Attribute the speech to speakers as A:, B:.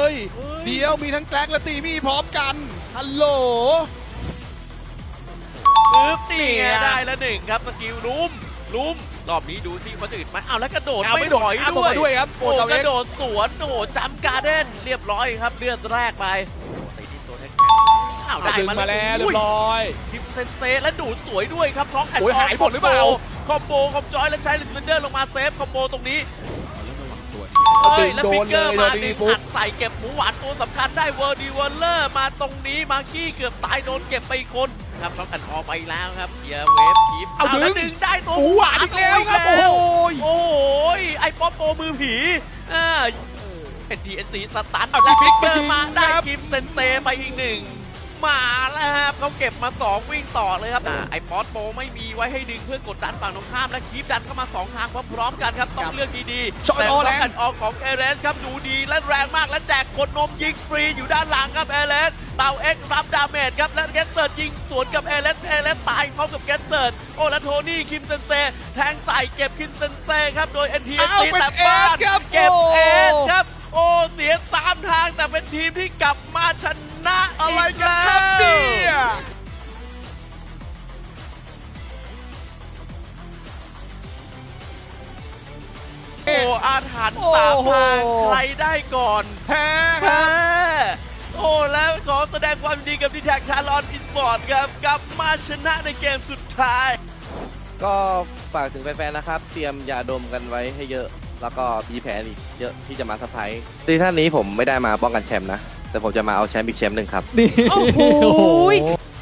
A: ยเดี๋ยวมีทั้งแกลกและตีมี่พร้อมกันฮัลโหล
B: ปึ๊บนี่ไงได้แล้วหนึ่งครับสกิลลุ้มรอบนี้ดูสิคนอื่นไหมอ้าวแล้วกระโดดไม่ถอย
A: ด้
B: ด้วย
A: ด้วยครับโอ้
B: โอ้
A: เจ้าก เอ็
B: ระ
A: ก
B: โดดสวนโอ้จัมการ์เด้นเรียบร้อยครับเลือดแรกไปตีที่ตัวแท็กอ้าวได้
A: ดึงมาแล้วเรียบร้อย
B: ทิปเซนเซและดูดสวยด้วยครับท็อกแอนด์
A: โอ้ยหายหมดหรือเปล่า
B: คอมโบคอมจอยและใช้ลินเดอร์ลงมาเซฟคอมโบตรงนี้ แล้ว
A: โด
B: ฟิ
A: น
B: กเก
A: เล
B: อร์
A: ย
B: มา
A: โดน
B: ดึ
A: ดี
B: ง
A: ปุ๊
B: อั
A: บ
B: ดใส่เก็บหมูหวานตัวสำคัญได้เวอร์ดีเวอร์เลอร์มาตรงนี้มากี้เกือบตายโดนเก็บไปอีกคนครับท็อกแอนด์ออไปแล้วครับเกียร์เวฟคีฟแล้วดึงได้ตัว
A: หมูหวานอีกแล้วครับโอ้โห
B: โอ้โหไอ้ป๊อปโปมือผีเป็นทีเอสซีสตัน
A: เอา
B: และ
A: ฟิ
B: ฟิ
A: ก
B: กเกอ
A: ไปยิ
B: ร์
A: ง
B: มาได้
A: ครับ
B: คิมเซนเซไปอีกหนึ่งมาแล้วครับเขาเก็บมา2วิ่งต่อเลยครับไอ้ป๊อปโปไม่มีไว้ให้ดึงเพื่อกดดันฝั่งตรงข้ามและคีฟดันเข้ามา2ทางพร้อมๆกันครับต้องเลือกดีๆ
A: ช็อตออแลนด์
B: แต่ออกของเอเลสครับดูดีและแรงมากและแจกกดนมยิงฟรีอยู่ด้านหลังครับเอเลสเต่าเอ็กรับดาเมจครับและเกสเซิร์ดยิงสวนกับเอเลสตายพร้อมกับเกสเซิร์ดโอ้และโทนี่คิมเซนเซแทงใส่เก็บคิมเซนเซครับโดย NTSC แต่บ้านเก็บเอสครับโอ้เสียตามทางแต่เป็นทีมที่กลับมาชนะ
A: อะไรกันครับเนี่ย
B: โอ้อาถรรพ์ตามทางใครได้ก่อน
A: แพ้ครับ
B: โอ้แล้วขอแสดงความยินดีกับดีแท็กชาลอนอินสปอร์ตครับกลับมาชนะในเกมสุดท้าย
C: ก็ฝากถึงแฟนๆ นะครับ เตรียมยาดมกันไว้ให้เยอะ แล้วก็มีแผนอีกเยอะที่จะมาเซอร์ไพรส์ซีซั่นนี้ผมไม่ได้มาป้องกันแชมป์นะ แต่ผมจะมาเอาแชมป์อีกแชมป์หนึ่งครับ
A: นี่
D: โอ้โห